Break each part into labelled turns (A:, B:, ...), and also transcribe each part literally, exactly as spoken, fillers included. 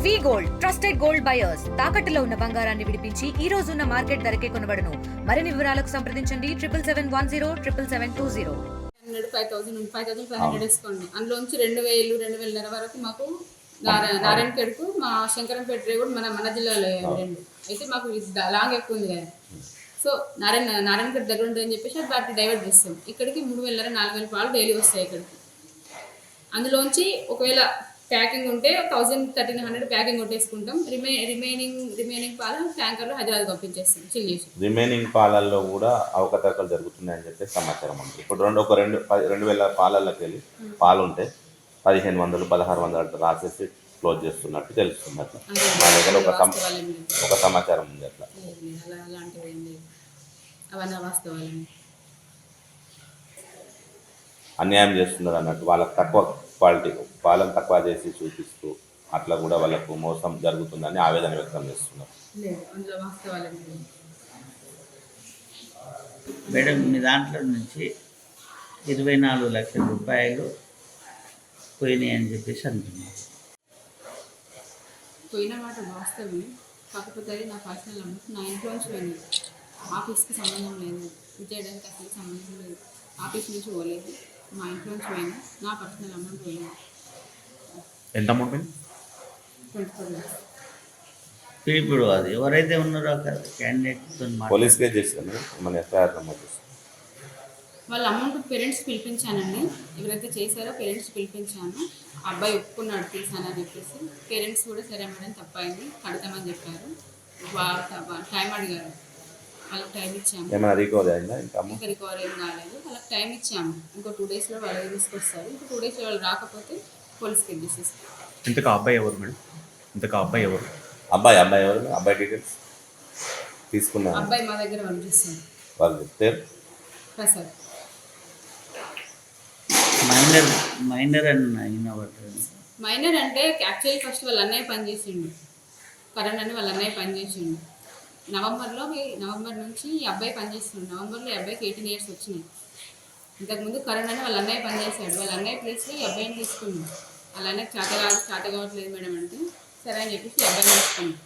A: వి gold trusted gold buyers తాకట్టులో ఉన్న బంగారాన్ని విడిపించి ఈ రోజు ఉన్న మార్కెట్ ధరకే కొనబడును. మరిన్ని వివరాలకు సంప్రదించండి triple seven one zero triple seven two zero.
B: Hundred five thousand five thousand five hundred వేసుకోండి. అందులోంచి రెండు వేలు రెండు వేలన్నర వరకు మాకు నారా నారాయణపేటకు మా శంకరంపేట కూడా మన మన జిల్లాలో రెండు అయితే మాకు లాంగ్ ఎక్కువ ఉంది కదా. సో నారాయణ నారాయణపేట దగ్గర ఉంటుందని చెప్పేసి అది వాటిని డైవర్ట్ చేస్తాం. ఇక్కడికి మూడు వేల నాలుగు వేల పాలు డైలీ వస్తాయి ఇక్కడికి. అందులోంచి ఒకవేళ ప్యాకింగ్ ఉంటే థౌసండ్ థర్టీన్ హండ్రెడ్ ప్యాకింగ్ కొట్టేసుకుంటాం. రిమే రిమైనింగ్ రిమైనింగ్ పాలు ట్యాంకర్లో హైదరాబాద్ పంపించేస్తాం చిల్ చేసి.
C: రిమైనింగ్ పాలల్లో కూడా అవకతవకలు జరుగుతున్నాయని చెప్పి సమాచారం ఉంది. ఇప్పుడు రెండు ఒక రెండు రెండు వేల పాలల్లోకి వెళ్ళి పాలు ఉంటే పదిహేను వందలు పదహారు వందలు అట్లా రాసేసి క్లోజ్ చేస్తున్నట్టు తెలుస్తుంది. అట్లా మా దగ్గర ఒక ఒక సమాచారం ఉంది. అట్లా
B: అలాంటివి ఏం లేదు, అవన్నీ వాస్తవాలండి.
C: అన్యాయం చేస్తున్నారు అన్నట్టు వాళ్ళకి తక్కువ క్వాలిటీ పాలను తక్కువ చేసి చూపిస్తూ అట్లా కూడా వాళ్ళకు మోసం జరుగుతుందని ఆవేదన వ్యక్తం చేస్తున్నారు.
D: మేడం మీ దాంట్లో నుంచి ఇరవై నాలుగు లక్షల రూపాయలు పోయినాయి అని చెప్పేసి అంటున్నారు.
B: పోయిన మాట వాస్తవమే, కాకపోతే అది నా పర్సనల్ అమౌంట్ నా ఇంట్లోంచి పోయింది. ఆఫీస్కి సంబంధం లేదు, విజయడానికి అసలు సంబంధం లేదు. ఆఫీస్ నుంచి పోలేదు, మా ఇంట్లోంచి పోయింది. నా పర్సనల్ అమౌంట్ పోయింది.
C: ఎంత అమౌంట్ పోయింది?
B: Twenty four lakhs.
D: ఇప్పుడు అది ఎవరైతే ఉన్నారో క్యాండిడేట్తో
C: పోలీస్ కేసు చేస్తారు మన ఎఫ్ఐఆర్ నమోదు చేస్తారు.
B: వాళ్ళ అమౌంట్ పేరెంట్స్ పిలిపించానండి. ఎవరైతే చేశారో పేరెంట్స్ పిలిపించాను. అబ్బాయి ఒప్పుకున్నాడు తీసానని చెప్పేసి. పేరెంట్స్ కూడా సరే మేడం తప్పైంది కడతామని చెప్పారు. టైం అడిగారు, వాళ్ళకి టైం ఇచ్చాము.
C: ఏమైనా రికవరీ అయిందా? ఇంకా
B: ఇంకా రికవరీ ఏం కాలేదు. వాళ్ళకి టైం ఇచ్చాము. ఇంకో టూ డేస్లో వాళ్ళు తీసుకొస్తారు. ఇంకో టూ డేస్లో వాళ్ళు రాకపోతే పోలీస్కి తీసేస్తారు.
E: ఇంతకు అబ్బాయి ఎవరు మేడం? ఇంతకు అబ్బాయి ఎవరు?
C: అబ్బాయి అబ్బాయి ఎవరు? అబ్బాయి డీటెయిల్స్ తీసుకున్నాను.
B: అబ్బాయి మా దగ్గర పంపిస్తుంది.
C: వాళ్ళు పేరు
B: ప్రసాద్.
D: మైనర్ మైనర్ అని అయిన
B: మైనర్ అంటే యాక్చువల్లీ ఫస్ట్ వాళ్ళ అన్నయ్య పనిచేసిండు. కరణ్ అని వాళ్ళ అన్నయ్య పనిచేసిండు. నవంబర్లో నవంబర్ నుంచి ఈ అబ్బాయి పనిచేస్తుండు. నవంబర్లో ఈ అబ్బాయికి ఎయిటీన్ ఇయర్స్ వచ్చినాయి. ఇంతకుముందు కరణ్ అని వాళ్ళ అన్నయ్య పనిచేశాడు. వాళ్ళ అన్నయ్య ప్లేస్లో ఈ అబ్బాయిని తీసుకున్నాడు. వాళ్ళ అన్నయ్య చేత కాదు చేత కావట్లేదు మేడం అంటే సరే అని చెప్పేసి ఈ అబ్బాయిని తీసుకున్నాడు.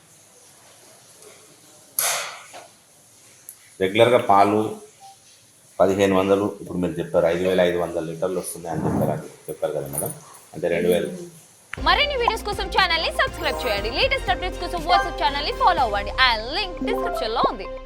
C: రెగ్యులర్గా పాలు పదిహేను వందలు ఇప్పుడు మీరు చెప్పారు ఐదు వేల ఐదు వందల లీటర్లు వస్తున్నాయి అని చెప్పారు అని చెప్పారు కదా మేడం. అంటే రెండు వేలు.
F: మరిన్ని వీడియోస్ కోసం ఛానల్ ని సబ్స్క్రైబ్ చేయండి. లేటెస్ట్ అప్డేట్స్ కోసం వాట్సాప్ ఛానల్ ని ఫాలో అవ్వండి. ఆ లింక్ డిస్క్రిప్షన్ లో ఉంది.